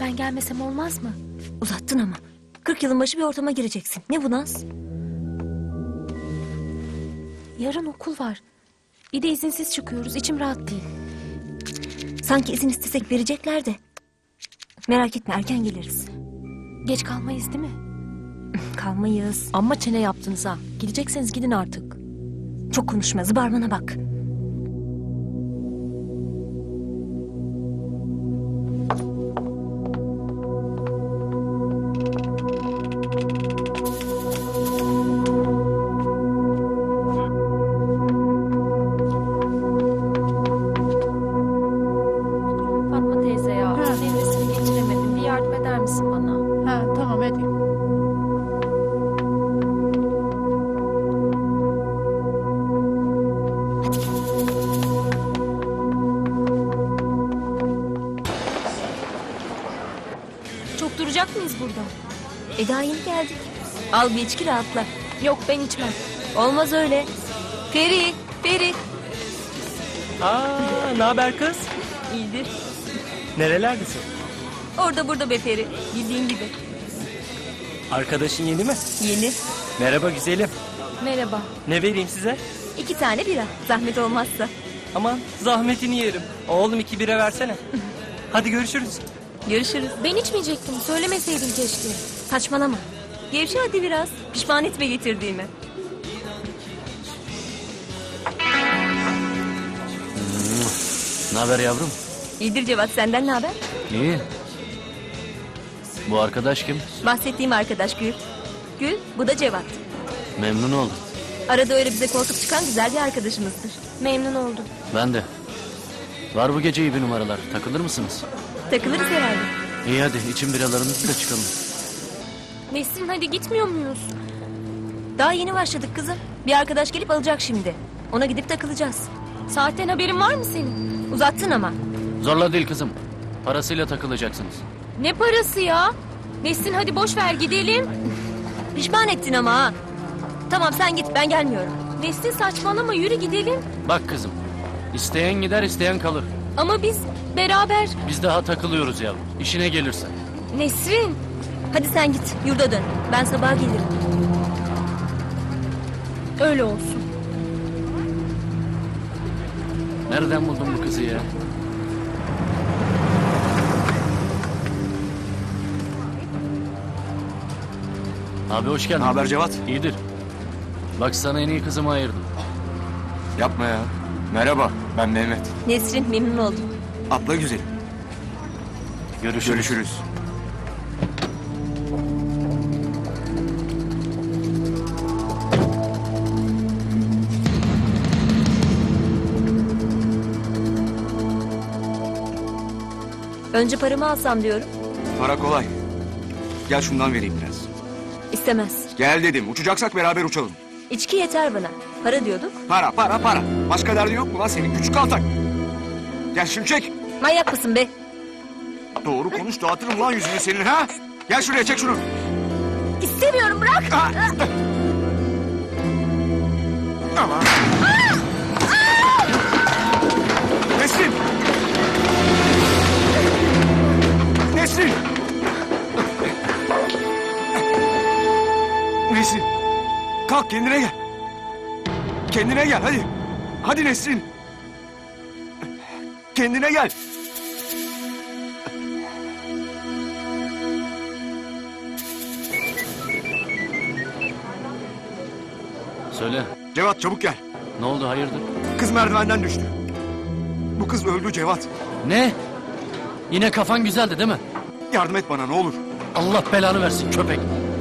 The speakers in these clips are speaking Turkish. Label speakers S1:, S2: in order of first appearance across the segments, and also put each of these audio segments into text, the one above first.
S1: Ben gelmesem olmaz mı?
S2: Uzattın ama. 40 yılın başı bir ortama gireceksin. Ne bu Naz?
S1: Yarın okul var. Bir de izinsiz çıkıyoruz. İçim rahat değil.
S2: Sanki izin istesek verecekler de. Merak etme, erken geliriz.
S1: Geç kalmayız değil mi?
S2: Kalmayız.
S1: Amma çene yaptınız ha. Gidecekseniz gidin artık.
S2: Çok konuşma, zıbarmana bak.
S1: Fatma teyze ya. Meyvesini geçiremedim. Bir yardım eder misin bana?
S3: Ha, tamam hadi.
S1: Çok duracak mıyız burada?
S2: Daha yeni geldik. Al bir içki, rahatla.
S1: Yok, ben içmem.
S2: Olmaz öyle. Feri, Feri.
S4: Ne haber kız?
S2: İyidir.
S4: Nerelerdesin?
S2: Orada burada be Feri. Bildiğin gibi.
S4: Arkadaşın yeni mi?
S2: Yeni.
S4: Merhaba güzelim.
S1: Merhaba.
S4: Ne vereyim size?
S2: 2 tane bira. Zahmet olmazsa.
S4: Aman zahmetini yerim. Oğlum 2 bira versene. Hadi görüşürüz.
S2: Görüşürüz.
S1: Ben içmeyecektim. Söylemeseydin keşke.
S2: Saçmalama. Gevşe hadi biraz. Pişman etme getirdiğimi.
S5: Ne haber yavrum?
S2: İyidir Cevat, senden ne haber?
S5: İyi. Bu arkadaş kim?
S2: Bahsettiğim arkadaş Gül. Gül, bu da Cevat.
S5: Memnun oldum.
S2: Arada öyle bize koltuk çıkan güzel bir arkadaşımızdır.
S1: Memnun oldum.
S5: Ben de. Var bu gece iyi bir numaralar. Takılır mısınız?
S2: Takılırız herhalde.
S5: İyi hadi için biralarınızı da çıkalım.
S1: Nesrin, hadi gitmiyor muyuz?
S2: Daha yeni başladık kızım. Bir arkadaş gelip alacak şimdi. Ona gidip takılacağız.
S1: Saatten haberin var mı senin?
S2: Uzattın ama.
S5: Zorla değil kızım. Parasıyla takılacaksınız.
S1: Ne parası ya? Nesrin, hadi boş ver gidelim.
S2: Pişman ettin ama ha. Tamam sen git, ben gelmiyorum.
S1: Nesrin, saçmalama, yürü gidelim.
S5: Bak kızım. İsteyen gider isteyen kalır.
S1: Ama biz beraber...
S5: Biz daha takılıyoruz yavrum. İşine gelirse.
S1: Nesrin.
S2: Hadi sen git, yurda dön. Ben sabah gelirim.
S1: Öyle olsun.
S5: Nereden buldun bu kızı ya? Abi hoş geldin.
S6: Ne haber Cevat?
S5: İyidir. Bak sana en iyi kızımı ayırdım.
S6: Yapma ya. Merhaba, ben Mehmet.
S2: Nesrin, memnun oldum.
S6: Atla güzelim.
S5: Görüşürüz.
S6: Görüşürüz.
S2: Önce paramı alsam diyorum.
S6: Para kolay. Gel şundan vereyim biraz.
S2: İstemez.
S6: Gel dedim, uçacaksak beraber uçalım.
S2: İçki yeter bana. Para diyorduk.
S6: Para, para, para. Başka derdin yok mu lan senin küçük kaltak? Gel şunu çek.
S2: Manyak mısın be?
S6: Doğru konuş, dağıtırım lan yüzünü senin ha. Gel şuraya, çek şunu.
S2: İstemiyorum, bırak.
S6: Ama. Nesrin! Nesrin! Nesrin! Kalk kendine gel. Kendine gel hadi. Hadi Nesrin. Kendine gel.
S5: Söyle.
S6: Cevat çabuk gel.
S5: Ne oldu hayırdır?
S6: Kız merdivenden düştü. Bu kız öldü Cevat.
S5: Ne? Yine kafan güzeldi değil mi?
S6: Yardım et bana ne olur.
S5: Allah belanı versin köpek.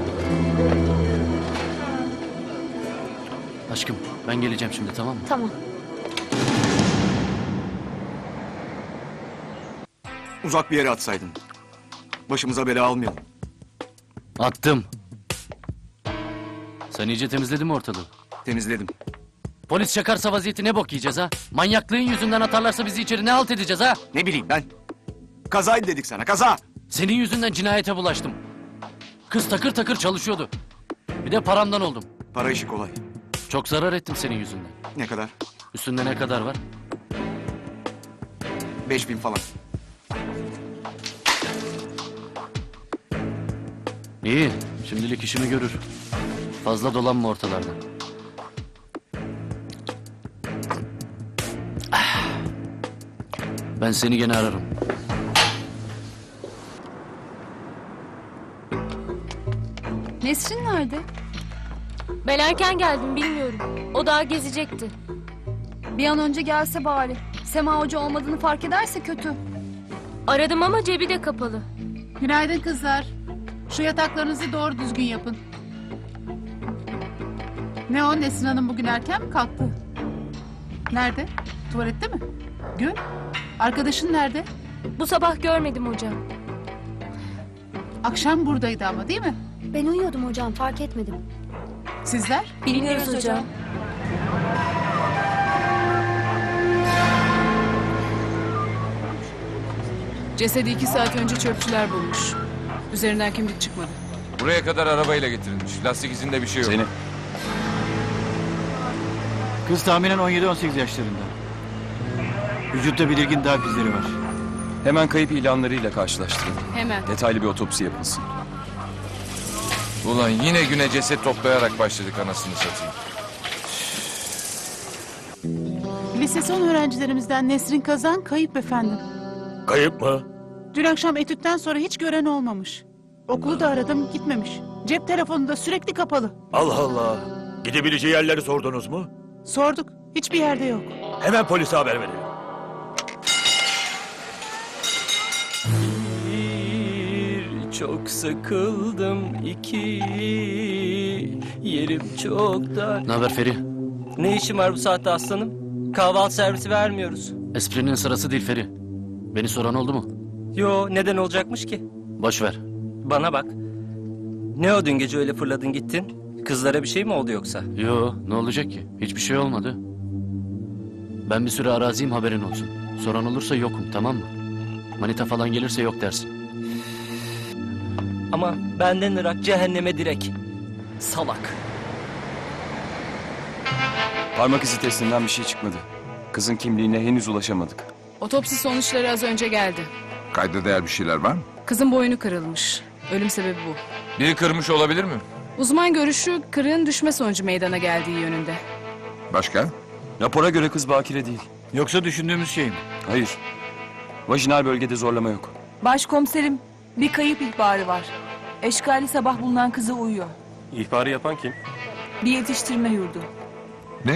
S5: Aşkım ben geleceğim şimdi tamam mı?
S1: Tamam.
S6: Uzak bir yere atsaydın. Başımıza bela almayalım.
S5: Attım. Sen iyice temizledin mi ortalığı?
S6: Temizledim.
S5: Polis çakarsa vaziyeti ne bok yiyeceğiz ha? Manyaklığın yüzünden atarlarsa bizi içeri ne halt edeceğiz ha?
S6: Ne bileyim ben. Kazaydı dedik sana, kaza.
S5: Senin yüzünden cinayete bulaştım. Kız takır takır çalışıyordu. Bir de paramdan oldum.
S6: Para işi kolay.
S5: Çok zarar ettim senin yüzünden.
S6: Ne kadar?
S5: Üstünde ne kadar var?
S6: 5000 falan.
S5: İyi, şimdilik işimi görür. Fazla dolanma ortalarda. Ah. Ben seni gene ararım.
S3: Nesrin nerede?
S1: Ben erken geldim bilmiyorum. O daha gezecekti.
S3: Bir an önce gelse bari. Sema Hoca olmadığını fark ederse kötü.
S1: Aradım ama cebi de kapalı.
S7: Günaydın kızlar. Şu yataklarınızı doğru düzgün yapın. Ne o, Nesrin Hanım bugün erken mi kalktı? Nerede? Tuvalette mi? Gül? Arkadaşın nerede?
S1: Bu sabah görmedim hocam.
S7: Akşam buradaydı ama, değil mi?
S3: Ben uyuyordum hocam, fark etmedim.
S7: Sizler?
S1: Bilmiyoruz hocam.
S7: Cesedi 2 saat önce çöpçüler bulmuş. Üzerinden kimlik çıkmadı.
S8: Buraya kadar arabayla getirilmiş. Lastik izinde bir şey yok.
S9: Zeynep. Kız tahminen 17-18 yaşlarında. Vücutta belirgin darp izleri var.
S6: Hemen kayıp ilanlarıyla karşılaştırın.
S7: Hemen.
S6: Detaylı bir otopsi yapılsın.
S8: Ulan yine güne ceset toplayarak başladık anasını satayım.
S7: Lise son öğrencilerimizden Nesrin Kazan kayıp efendim.
S10: Kayıp mı?
S7: Dün akşam etütten sonra hiç gören olmamış. Okulu da aradım, gitmemiş. Cep telefonu da sürekli kapalı.
S10: Allah Allah. Gidebileceği yerleri sordunuz mu?
S7: Sorduk, hiçbir yerde yok.
S10: Hemen polise haber verelim.
S4: Bir, çok sıkıldım. İki, yerim çok dar.
S5: Ne haber Feri?
S4: Ne işin var bu saatte aslanım? Kahvaltı servisi vermiyoruz.
S5: Esprinin sırası değil Feri. Beni soran oldu mu?
S4: Yo, neden olacakmış ki?
S5: Boş ver.
S4: Bana bak. Ne o dün gece öyle fırladın gittin? Kızlara bir şey mi oldu yoksa?
S5: Yo, ne olacak ki? Hiçbir şey olmadı. Ben bir süre araziyim, haberin olsun. Soran olursa yokum, tamam mı? Manita falan gelirse yok dersin.
S4: Ama benden ırak cehenneme direk. Salak.
S6: Parmak izi testinden bir şey çıkmadı. Kızın kimliğine henüz ulaşamadık.
S7: Otopsi sonuçları az önce geldi.
S8: Kayda değer bir şeyler var mı?
S7: Kızın boynu kırılmış. Ölüm sebebi bu.
S8: Biri kırmış olabilir mi?
S7: Uzman görüşü kırığın düşme sonucu meydana geldiği yönünde.
S8: Başka?
S6: Rapora göre kız bakire değil.
S9: Yoksa düşündüğümüz şey mi?
S6: Hayır. Vajinal bölgede zorlama yok.
S11: Başkomiserim, bir kayıp ihbarı var. Eşkali sabah bulunan kızı uyuyor.
S10: İhbarı yapan kim?
S11: Bir yetiştirme yurdu.
S8: Ne?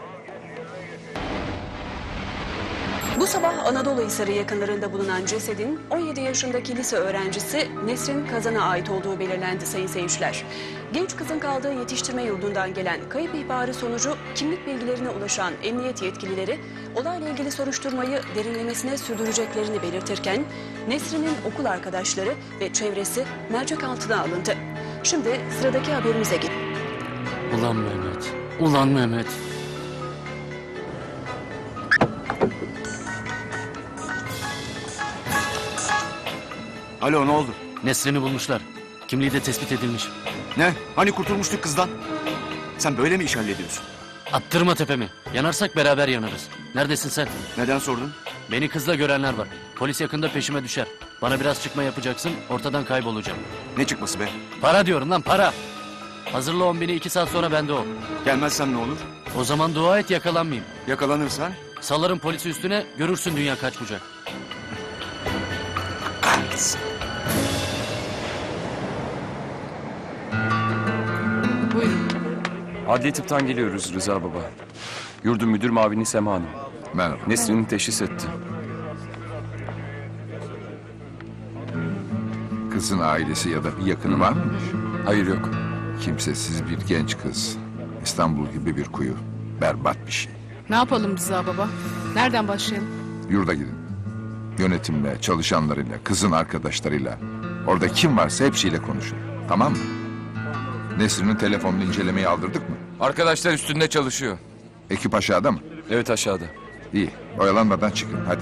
S12: Bu sabah Anadoluhisarı yakınlarında bulunan cesedin 17 yaşındaki lise öğrencisi Nesrin Kazan'a ait olduğu belirlendi sayın seyirciler. Genç kızın kaldığı yetiştirme yurdundan gelen kayıp ihbarı sonucu kimlik bilgilerine ulaşan emniyet yetkilileri olayla ilgili soruşturmayı derinlemesine sürdüreceklerini belirtirken Nesrin'in okul arkadaşları ve çevresi mercek altına alındı. Şimdi sıradaki haberimize geçelim.
S5: Ulan Mehmet, ulan Mehmet.
S9: Alo, ne oldu?
S5: Nesrin'i bulmuşlar. Kimliği de tespit edilmiş.
S9: Ne? Hani kurtulmuştuk kızdan? Sen böyle mi iş hallediyorsun?
S5: Attırma tepemi. Yanarsak beraber yanarız. Neredesin sen?
S9: Neden sordun?
S5: Beni kızla görenler var. Polis yakında peşime düşer. Bana biraz çıkma yapacaksın, ortadan kaybolacağım.
S9: Ne çıkması be?
S5: Para diyorum lan, para. Hazırla 10 bini, 2 saat sonra bende ol.
S9: Gelmezsem ne olur?
S5: O zaman dua et yakalanmayayım.
S9: Yakalanırsan?
S5: Salarım polisi üstüne, görürsün dünya kaç bucak.
S7: Buyurun.
S6: Adli tıptan geliyoruz Rıza Baba. Yurdun müdür mavini Sema Hanım.
S8: Merhaba.
S6: Nesrin'i teşhis etti.
S8: Kızın ailesi ya da bir yakını var mıymış?
S6: Hayır yok.
S8: Kimsesiz bir genç kız. İstanbul gibi bir kuyu. Berbat bir şey.
S7: Ne yapalım Rıza baba? Nereden başlayalım?
S8: Yurda gidin. Yönetimle, çalışanlarıyla, kızın arkadaşlarıyla. Orada kim varsa hepsiyle konuşun. Tamam mı? Nesrin'in telefonunu incelemeyi aldırdık mı?
S10: Arkadaşlar üstünde çalışıyor.
S8: Ekip aşağıda mı?
S6: Evet, aşağıda.
S8: İyi. Oyalanmadan çıkın hadi.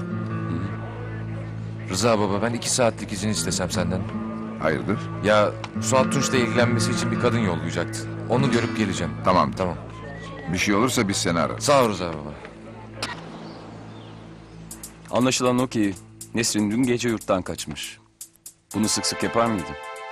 S10: Rıza baba, ben 2 saatlik izin istesem senden.
S8: Hayırdır?
S10: Ya Suat Tunç'la ilgilenmesi için bir kadın yollayacaktı. Onu görüp geleceğim.
S8: Tamam.
S10: Tamam.
S8: Bir şey olursa biz seni ararız.
S10: Sağ ol Rıza baba.
S6: Anlaşılan o ki Nesrin dün gece yurttan kaçmış. Bunu sık sık yapar mıydı?